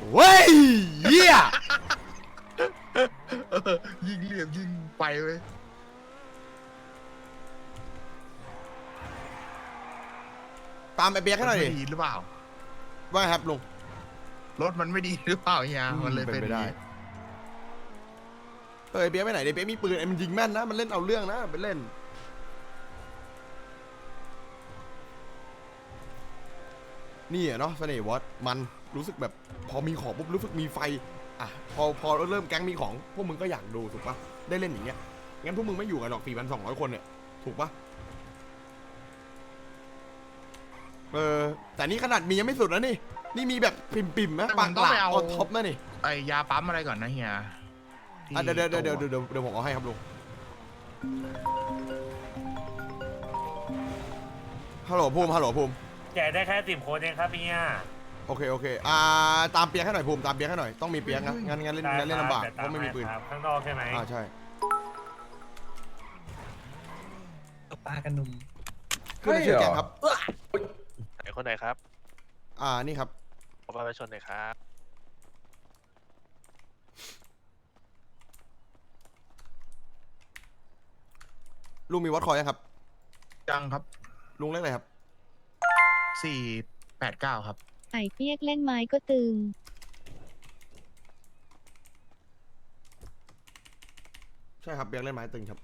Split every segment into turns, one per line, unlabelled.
เว้ยเหี้ย
ยิงเหลี่ยมยิงไปเว้ย
ตามไอเบียกให้หน่อยดิ
ดีหรือเปล่า
ว่าไงครับลุง
รถมันไม่ดีหรือเปล่าเฮียมันเลยเป็น
ไปได้
อย่างนี้
ไอเบียกไปไหนไอเบียกมีปืนไอมันยิงแม่นนะมันเล่นเอาเรื่องนะไปเล่นนี่อะเนาะเสน่ห์วอตมันรู้สึกแบบพอมีของปุ๊บรู้สึกมีไฟอ่ะพอเริ่มแก๊งมีของพวกมึงก็อยากดูถูกปะได้เล่นอย่างเงี้ยงั้นพวกมึงไม่อยู่กันหรอก 4,200 คนเนี่ยถูกปะแต่นี่ขนาดมียังไม่สุดนะนี่มีแบบปิ่มๆนะปากหลาออนท็อปนะนี่
ไอยาปั๊มอะไรก่อนนะเฮีย
เดี๋ยวผมเอาให้ครับลุงฮัลโหลภูมิ
แจกได้แค่10 คนเองครับเนี่ย
โอเคตามเปียกให้หน่อยภูมิตามเปียกให้หน่อยต้องมีเปียกนะงั้นเล่นลำบากเพราะไม่มีปืน
ข้างนอกใช่ไหม
ใช่
ปลากันนุ่ม
ขึ้นในชื่อแก๊งครับ
ไหนคนไหนครับ
นี่ครับ
ขอบัตรประชาชนหน่อยครับ
ลุงมีวัดคอยยังครับ
จังครับ
ลุงเล่นอะไรครับ
489ครับ
ไอ้เปียกเล่นไม้ก็ตึง
ใช่ครับเปียกเล่นไม้ตึงครับ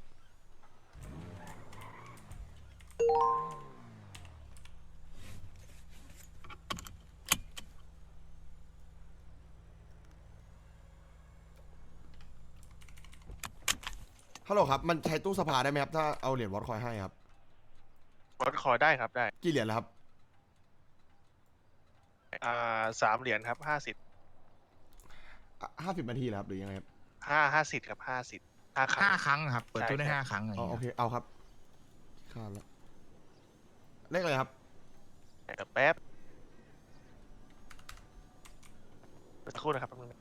ฮัลโหลครับมันใช้ตู้สภาได้ไหมครับถ้าเอาเหรียญวัดคอยให้ครับ
วัดคอได้ครับได้
กี่เหรียญแล้วครับ
3 เหรียญครับ50
50 นาทีแล้วครับหรือยังไงครับ
50ครับ50 5 ครั้ง
5 ครั้งครับ เปิดตู้ได้
ใช่ครับ
5 ครั้งอะไร
โอ
เงี้ย
เคเอาครับข้ามแล้วเลขอะไรครับ
เดี๋ยวแป๊บสักครู่นะครับแป๊บนึงนะ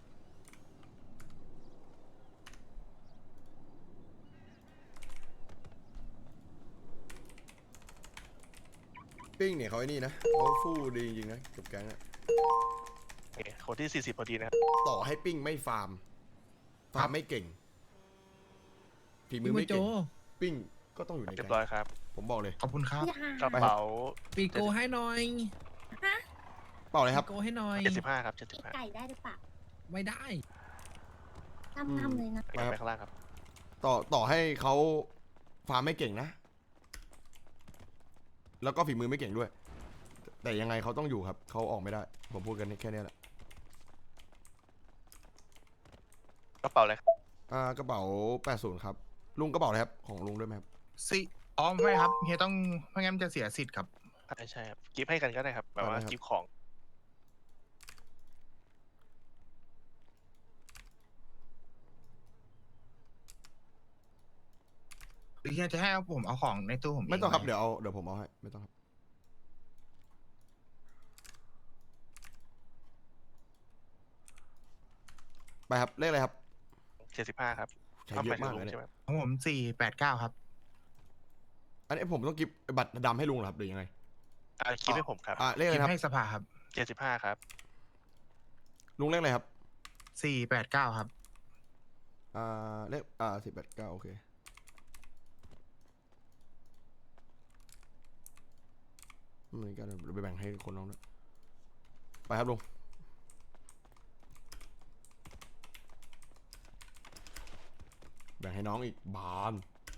ปิ้งเนี่ยเขาไอ้นี่นะเขาฟู่ดีจริงๆนะกับแก๊งอะ
โอเคคนที่40พอดีนะครับ
ต่อให้ปิ้งไม่ฟาร์มไม่เก่งฝีมือไม่
โจ
เก่งปิ้งก็ต้องอยู่ใน
เรีย
แก๊
บร้อง ยครับ
ผมบอกเลย
ขอบคุณครับ
กระเป๋า
ปีโกให้หน่อย
เปล่าเลยครับ
ปีโกให้หน่อย
75ครับ
ไก่ได้หรือเปล่า
ไม่ได้
ทำเลยนะ
75ไปข้างล่างครับ
ต่อให้เขาฟาร์มไม่เก่งนะ แล้วก็ฝีมือไม่เก่งด้วย แต่ยังไงเขาต้องอยู่ครับเขาออกไม่ได้ ผมพูดกันแค่นี้แหละ
กระเป๋าอะไรครับ
กระเป๋า80ครับลุงกระเป๋าอะไรครับของลุงด้วยไหมครับ
ไม่ครับเฮียต้องไม่งั้นมันจะเสียสิทธิ์ครับ
ใช่ครับกิฟต์ให้กันก็ได้ครับแบบว่า
ได้ครับ
กิฟต์ของ
หรือเฮียจะให้ผมเอาของในตู้ผม
ไม่ต้องครับ
ห
เดี๋ยวผมเอาให้ไม่ต้องครับไปครับเลขอะไรครับ
75ครับ
ใช้เยอะมากเลย
ใช่
เนี่ย
ไหม
ของผม489ครับ
อันนี้ผมต้องกิฟต์บัตรดำให้ลุงเหรอครับหรือยังไง
กิฟต์ให้ผมครับ
เลขอะไร
กิน
ครับ
ให้สภาครับ
75ครับ
ลุงเลขอะไรครับ
489ครับ
เลข1089โอเคนี่ก็เดี๋ยวไปแบ่งให้คนน้องด้วยไปครับลุงแบ่งให้น้องอีกบาน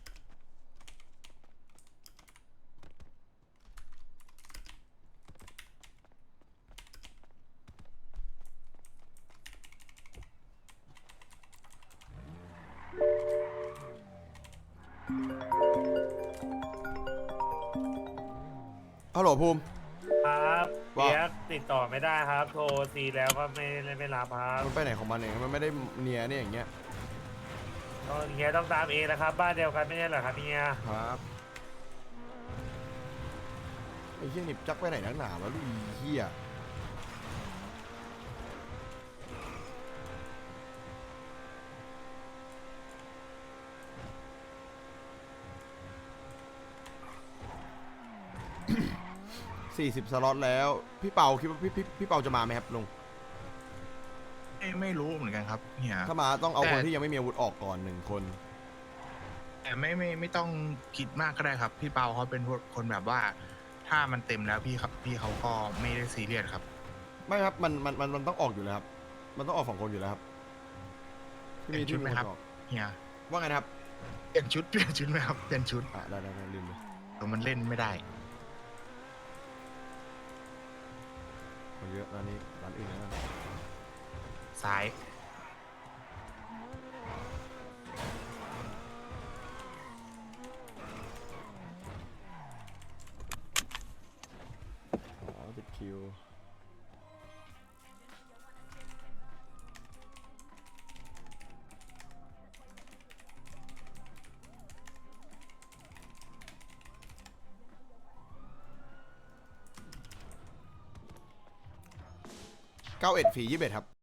ฮัลโหลภูมิ
ครับ
ว่า
เปียกติดต่อไม่ได้ครับ โทรซีแล้วก็ไม่รับครับ
มันไปไหนของมันเองมันไม่ได้เนียเนี่ยอย่างเงี้ย
ก็เฮียต้องตามเองนะครับ บ้านเดียวกันไม่ใช่เหรอครับเฮีย
ครับไอ้เหี้ยหนิบจักไปไหนนักหนาวะลูกอีเหี้ย40 สล็อตแล้วพี่เปาคิดว่าพี่เปาจะมาไหมครับลุง
ไม่รู้เหมือนกันครับเฮีย
ถ้ามาต้องเอา
แต่
คนที่ยังไม่มีอาวุธออกก่อน1 คน
แต่ไม่ต้องคิดมากก็ได้ครับ พี่เปาเขาเป็นคนแบบว่า ถ้ามันเต็มแล้วพี่เขาก็ไม่ได้ซีเรียสครับ
ไม่ครับมันต้องออกอยู่แล้วครับมันต้องออก2 คนอยู่แล้วครับ
เปลี่ยนชุดไหมครับ
ออก
เฮีย
ว่าไงนะครับ
เปลี่ยนชุดไหมครับเปลี่ยนชุด
ได้ลืมเลย
แต่มันเล่นไม่ได้
คนเยอะร้านนี้ร้านอื่นนะ
ซ้าย
ติดคิว91 ฟรี 21ครับ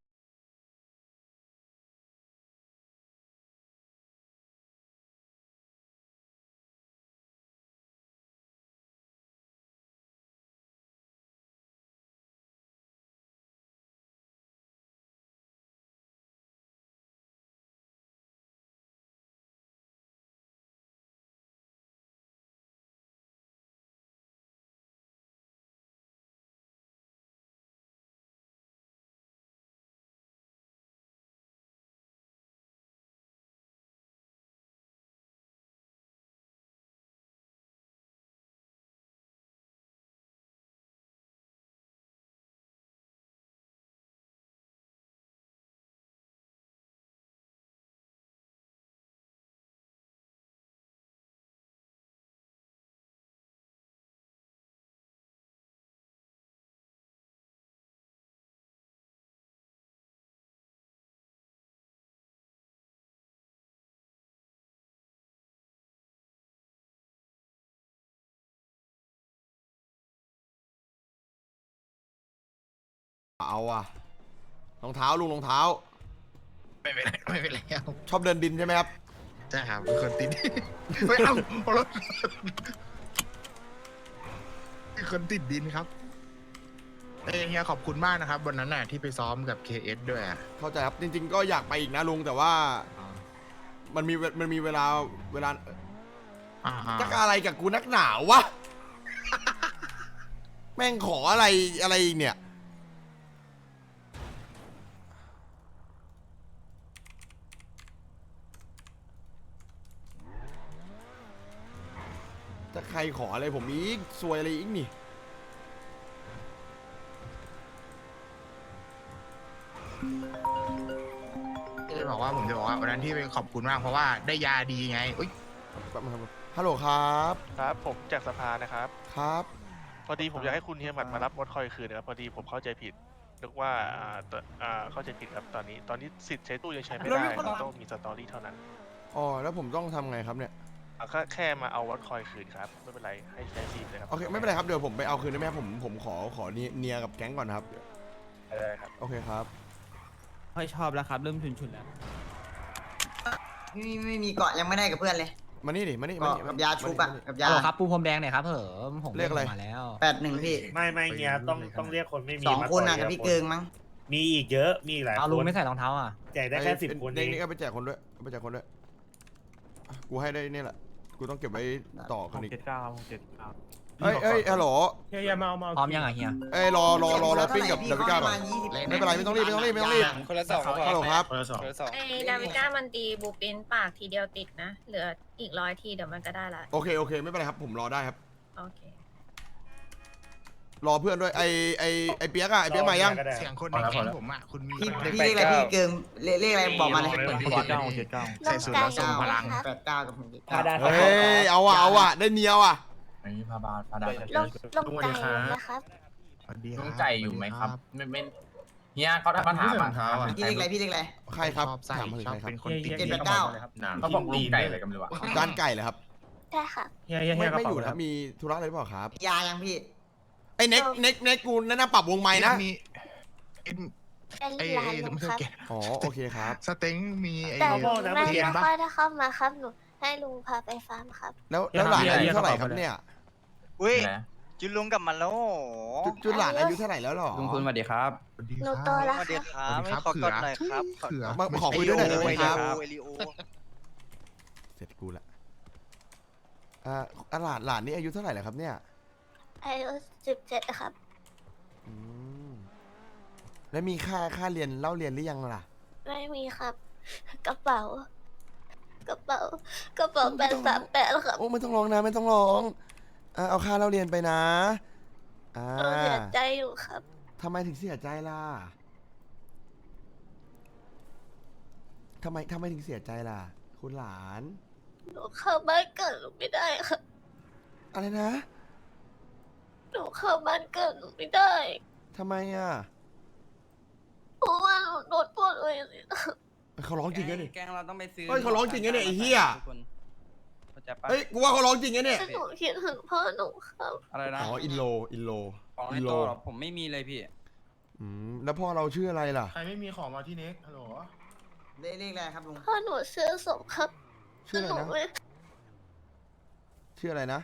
เอาว่ะรองเท้าลุงรองเท้า
ไม่เป็นไรครับ
ชอบเดินดินใช่ไหมครับ
ใช่ครับเป็นคนติด ไม่เอารถเป็นคนติดดินครับเฮียขอบคุณมากนะครับวันนั้นน่ะที่ไปซ้อมกับ KS ด้วยอะ
เข้าใจครับจริงๆก็อยากไปอีกนะลุงแต่ว่ามันมีเวลาจะอะไรกับกูนักหนาวะ แม่งขออะไรอีกเนี่ยจะใครขออะไรผมอีกซวยอะไรอีกนี่
จะบอกว่าผมจะบอกว่าวันนั้นที่ไปขอบคุณมากเพราะว่าได้ยาดีไงอุ๊ย
แป๊บนึงครับฮัลโหลครับ
ครับผมจากสภานะครับ
ครับ
พอดีผมอยากให้คุณเฮียหมัดมารับมดคอยคืนนะครับ พอดีผมเข้าใจผิดนึกว่าเข้าใจผิดครับตอนนี้สิทธิ์ใช้ตู้ยังใช้ไม่ได้ต้องมีสตอรี่เท่านั้น
อ๋อแล้วผมต้องทำไงครับเนี่ย
แค่มาเอาวัดคอยคืนครับไม่เป็นไรให้ใช้ซีมเลยครับ
โอเคไม่เป็นไรครับเดี๋ยวผมไปเอาคืนได้ไหมครับผมขอเนียกับแก๊งก่อนนะครับ
ได้ครับ
โอเคครับ
ค่อยชอบแล้วครับ เริ่มชุนแล้ว
ไม่มีเกาะยังไม่ได้กับเพื่อนเลย
มานี่ดิมานี่
เกาะกับยาชุบอะกับยา
ครับปูพรมแดงหน่อยครับผม
เรียกอะไร
มาแล้ว
81พี่
ไม่เฮียต้องเรียกคนไม่มี
2
มา
คน
ต่
อะ
ย
กับ
ที
พี่
ละ
เกิงมั้ง
มีอีกเยอะมีอีกหลาย
เอา
ค
ลุง
น
ไม่ใส่รองเท้าอ่ะ
แจกได้แค่10 คน
เด็
เอก ง
นี่ก็ไปแจกคนด้วยเอาไปแจกคนด้วยอ่ะกูให้ได้นี่แหละกูต้องเก็บไว้ต่อคนอีกเอ้ยฮัลโหล
เฮียมา
พร้อมยังอ่ะเฮีย
เอ้ยรอปิ้งกับดาวิก้าก่อนไม่เป็นไรไม่ต้องรีบ
คนละ2
ฮัลโหลครับ
2
ไอ้ดาวิก้ามันตีบูปินปากทีเดียวติดนะ เหลืออีก100 ทีเดี๋ยวมันก็ได้ละ
โอเคไม่เป็นไรครับผมรอได้ครับ
โอเค
รอเพื่อนด้วยไอเปียกอะไอเปียกมายัง
เสียงคนในแก๊งผมอะคุณมี
พี่เรียกอะไรพี่เกิงเรียกอะไรบอกมาเลย
ใส่สูตรแล้วทรงพลัง
89กับผม
เฮ้ยเอาอะได้เนียวอะ
ลงใจนะครับ
สวัสดี
ลุงใจอยู่ไหมครับไม่เฮียเขาถามอ่ะ
พี่เรียกอะไร
ใครครับ
ชอบใส่
ถามมาถึง
ชอบ
ใครครับ
เป็นคนติด
789
เขาบอกลุงไก่อะไรกันไม่รู้อ่ะ
จานไก่เหรอครับ
ใช่ค่ะ
ไม่อยู่นะครับมีธุระอะไรหรือเปล่าครับ
ยายังพี่
ไอ้เน็กกูแนะนำปรับวงไม้นะ
มี
เป็นร้านลุงครับ
อ๋อโอเคครับ
สเต็งมีไอ้
แต่
พ่อนะ
ไม่
เฮีย
ค่อยได้เข้ามาครับหนูให้ลุงพาไปฟาร์มครับ
แล้วหลานอายุเท่าไหร่ครับเนี่ย
อุ้ย
จุนลุงกลับมาแล้ว
จุดหลานอายุเท่าไหร่แล้วหรอ
ลุงคุณสวัสดีครับ
สวัสดี
ห
ค
นู
รับ
โตแล้ว
สวัสดี
ค่ะ
ครับ
สวัสดีครับ
ขอกดหน่อยครับ
เขือ
มาขอคุยด้วยหน่อยได้ไหมครับ
เอลิโอ
เสร็จกูละหลานนี่อายุเท่าไหร่แล้วครับเนี่ย
อายุ17ครับ
อืมแล้วมีค่าเรียนเล่าเรียนหรือยังล่ะ
ไม่มีครับ กระเป๋ากระเป๋838ครับ
โอ้ไม่ต้องร้องนะไม่ต้องร้องเอาค่าเล่าเรียนไปนะ
หนูเสียใจอยู่ครับ
ทำไมถึงเสียใจล่ะทำไมถึงเสียใจล่ะ คุณหลาน
หนูเข้าบ้านเกิดหนูไม่ได้ครับ
อะไรนะ
หนูเข้าบ้านเกิดหนูไม่ได้
ทำไมอ่ะ
เพราะว่าหนูโดนปล้นเลยครับ
เขาร้องจริงนะนี่
แกงเราต้องไปซื้อ
เฮ้ยเขาร้องจริงนะเนี่ยไอ้เหี้ย
ทุกคนเข้าใจปะ
เฮ้ยกูว่าเขาร้องจริงนะเนี่ย
หนูคิดถึงพ่อหนูครับ
อะไรนะ
อ๋ออินโล
ของใน
อินโล
ตัวเหรอผมไม่มีเลยพี่
แล้วพ่อเราชื่ออะไรล่ะ
ใครไม่มีของมาที่เน็กฮัลโหล
เลขอะไรครับลุง
พ่อหนูชื่อสมครับ
ชื่ออะไร
หนู
นะ
ไม่
ชื่ออะไรนะ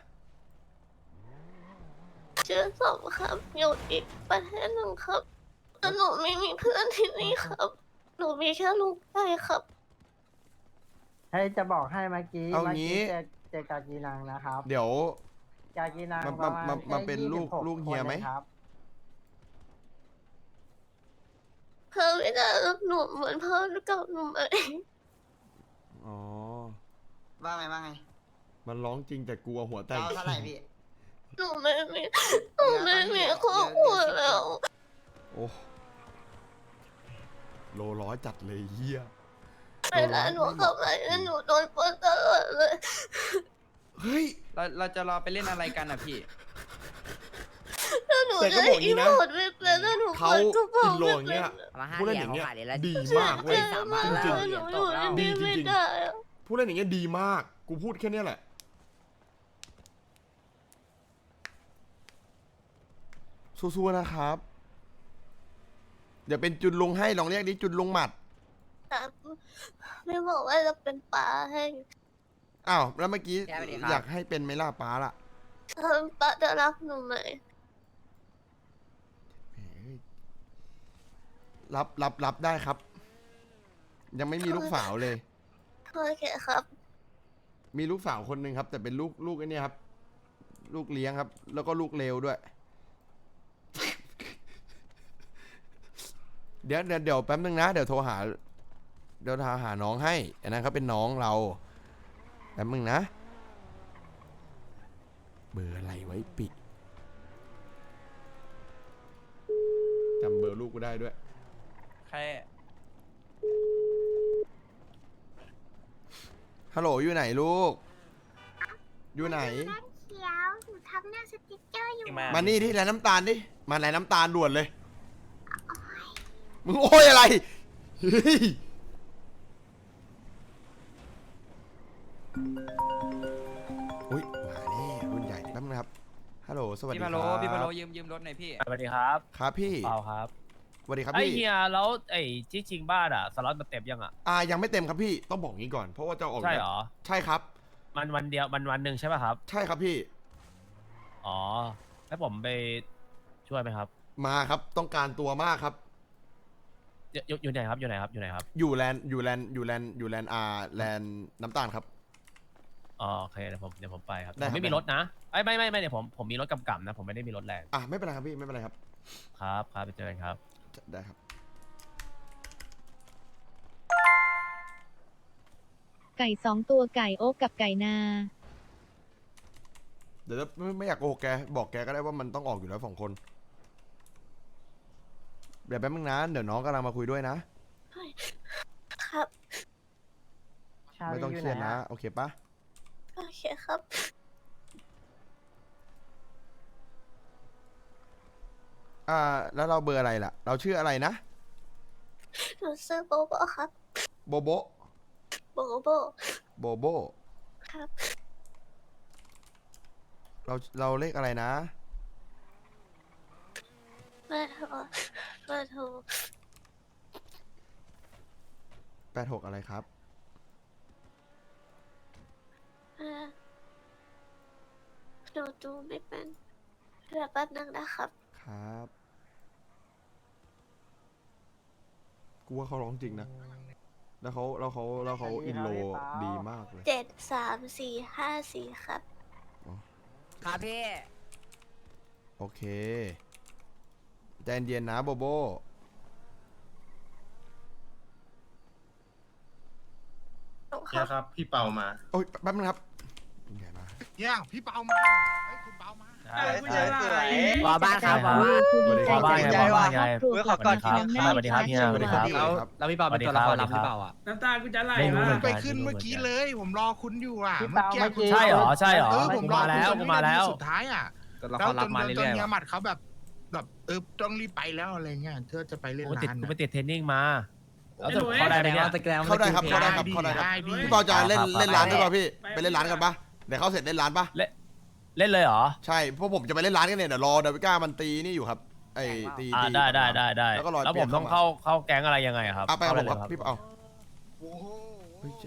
ชื่อสมครับ อยู่อีกประเทศหนึ่งครับแต่หนูไม่มีเพื่อนที่นี่ครับ หนูมีแค่ลุงไก่ครับ
ให้จะบอกให้เมื่อกี้
เอางี้
เจอกากีนังนะครับ
เดี๋ยว
กากีนัง
มา
ประมาณ
มาเป็นลูก
แค่26
ลูกเฮียไหม
คนครับ
เพื่อไม่ได้รับหนูเหมือนพ่อกับหนูไหม
อ๋อ
ว่าไงว่าไง
มันร้องจริงแต่กลัวหัวแตก
เอาเท่าไหร่พี่
หนูไม่มีครอบครัวแล้ว
โอ้โลร้อยจัดเลยเฮีย
เวลาหนูเข้าไปหนูโดนปล้นตลอดเลย
เฮ้ย
เราจะรอไปเล่นอะไรกันอ่ะพี่
แล้วหนู
แต่ก็
จะ
บอกอย่างนี้
อี
นะ
โมดไม่เป็นแล้วหนู
เขา
เปิดกระเป๋า
อินโล
ไม่
อย่าง
เป็
เงี้
น
ยผู้เล่นอย่างเงี้ยดีมากเว้ย
เจอมา
จ
แล้
ริ
ว
ง
หนูอยู่ที่
ดี
นี่
จริ
ไม่
ง
ได้อะ
ๆผู้เล่นอย่างเงี้ยดีมาก กูพูดแค่เนี้ยแหละ สู้ๆนะครับ เดี๋ยวเป็นจุนลุงให้ลองเรียกดิจุนลุงหมัด
ครับไม่บอกว่าจะเป็นป๋าให้
อ้าวแล้วเมื่อกี้
แกไปดิครับ
อยากให้เป็นไหมล่ะป้าล่ะ
ป๋าจะรักหนูไหม
รับได้ครับ ยังไม่มีลูกสาวเลย
โอเคครับ
มีลูกสาวคนหนึ่งครับ แต่เป็นลูกไอ้เนี่ยครับ ลูกเลี้ยงครับ แล้วก็ลูกเลวด้วย เดี๋ยวแป๊บนึงนะ เดี๋ยวโทรหาน้องให้อันนั้นเขาเป็นน้องเราแป๊บนึงนะ เบอร์อะไรไว้ปิจำเบอร์ลูกกูได้ด้วย
ใคร
ฮัลโหลอยู่ไหนลูก อยู่ไหน
เขียวหนูทำหน้าสติ๊กเกอร์อยู่
มานี่ที่แลน้ำตาลดิ มาแลน้ำตาลด่วนเลย มึงโอ้ยอะไรเฮ้ยอุ้ยมาแน่รุ่นใหญ่แป๊บนึงครับ ฮัลโหล สวัสดี
พี่
ค
มา
รั
โล
บ
พี่มาโลยืมรถหน่อยพี่
สวัสดีครับ
ครับพี่
เปล่าครับ
สวัสดีครับ
ไอ
พี่
เฮียแล้วไอ้ที่ชิงบ้านอ่ะสล็อตมันเต็มยังอ่ะ
ยังไม่เต็มครับพี่ ต้องบอกงี้ก่อน เพราะว่าจะออก
ใช่เหรอ
ใช่ครับ
มันวันเดียวมันวันหนึ่งใช่ป่ะครับ
ใช่ครับพี่
อ๋อแล้วผมไปช่วยไหมครับ
มาครับ ต้องการตัวมากครับ
อยู่ไหนครับอยู่ไหนครับอยู่ไหนครับ
อยู่แลนด์แลนด์แลนด์น้ำตาลครับ
อ๋อโอเคเดี๋ยวผมไปครับ
ได้ครับ
ผมไม่มีรถนะไม่เดี๋ยวผมมีรถกำกับนะ ผมไม่ได้มีรถแรง
ไม่เป็นไรครับพี่ ไม่เป็นไรครับ
ครับไปเจอกันครับ
ได้ครับ
ไก่2 ตัวไก่โอ๊กกับไก่นา
เดี๋ยวไม่อยากโกหกแก บอกแกก็ได้ว่ามันต้องออกอยู่แล้ว2 คน เดี๋ยวแป๊บนึงนะ เดี๋ยวน้องกำลังมาคุยด้วยนะ
ครับ
ไม่ต้องเครียดนะ โอเคปะ
โอเคครับ
แล้วเราเบอร์อะไรล่ะ เราชื่ออะไรนะ
หนูซื้อโบโบครับ
โบโบ
โบโบ
โบโบ
ครับ
เราเลขอะไรนะ
เบอร์โทร
86อะไรครับ
หนูดูไม่เป็นเดี๋ยวแป๊บนึงนะครับ
ครับกูว่าเขาร้องจริงนะแล้วเขาอินโลดีมากเลย
73454ครับ
ครับพี่
โอเคใจเย็นๆนะโบโบ
ครั
ครับ พี่เปามา
โอ้ยแป๊บนึงครับใหญ่มาก
เนี่ยพี่เปามาเฮ้ยคุณเปามา
ใช่
วาบ้านครับวาบ้าน
วาบ้านไงวาบ้านไง
ครอบครัว
ขอกอดทีนึงครับสวัสดีครับพี่
สวัสดีครับพี่
แล้วพี่เปาเป็นตัวละครลับหรือเปล่าอ่ะ
น้ำตากูจะไหล
ไม่รู้เหมือน
ไป
กัน
ขึ้นเมื่อกี้เลย ผมรอคุณอยู่อ่ะ
พี่เปาเมื่อกี้
ใช่เหรอใช่เหรอ
ผม
กู
รอ
มาแล้ว
คุณจน
กูมาแล้ว
สุดท้ายอ่ะ
ตัวละ
แล้
คว รลับมา
จ
เรื่
น
อย
เฮีย
ๆ
หมัดเขาแบบต้องรีบไปแล้วอะไรเงี้ยเธอจะไปเล่น
กูติด
ร้าน
กูไป
อะ
ติดเทรนนิ่งมาแล้วจะเข้าได้ไหมเนี่ย
เข้าได้ครับเข้าได้ครับเข้าได้ครับ
ดี
พี่เปาจะเล่น
ครับ
เล่นร้านด้วยป่ะพี่ไปเล่นร้านกันป่ะเดี๋ยวเข้าเสร็จเล่นร้านป่ะ
เล่นเลยเหรอ
ใช่พวกผมจะไปเล่นร้านกันเนี่ยเดี๋ยวรอดาวิก้ามันตีนี่อยู่ครับไอ้ตี
ได้
แล้วก็รอ
แล้วผมต้องเข้าแก๊งอะไรยังไงอะครับ
เอาไปกับผมครับ
เข้าได้เลย
พี่เปา
โอ้โห
เฮ้ย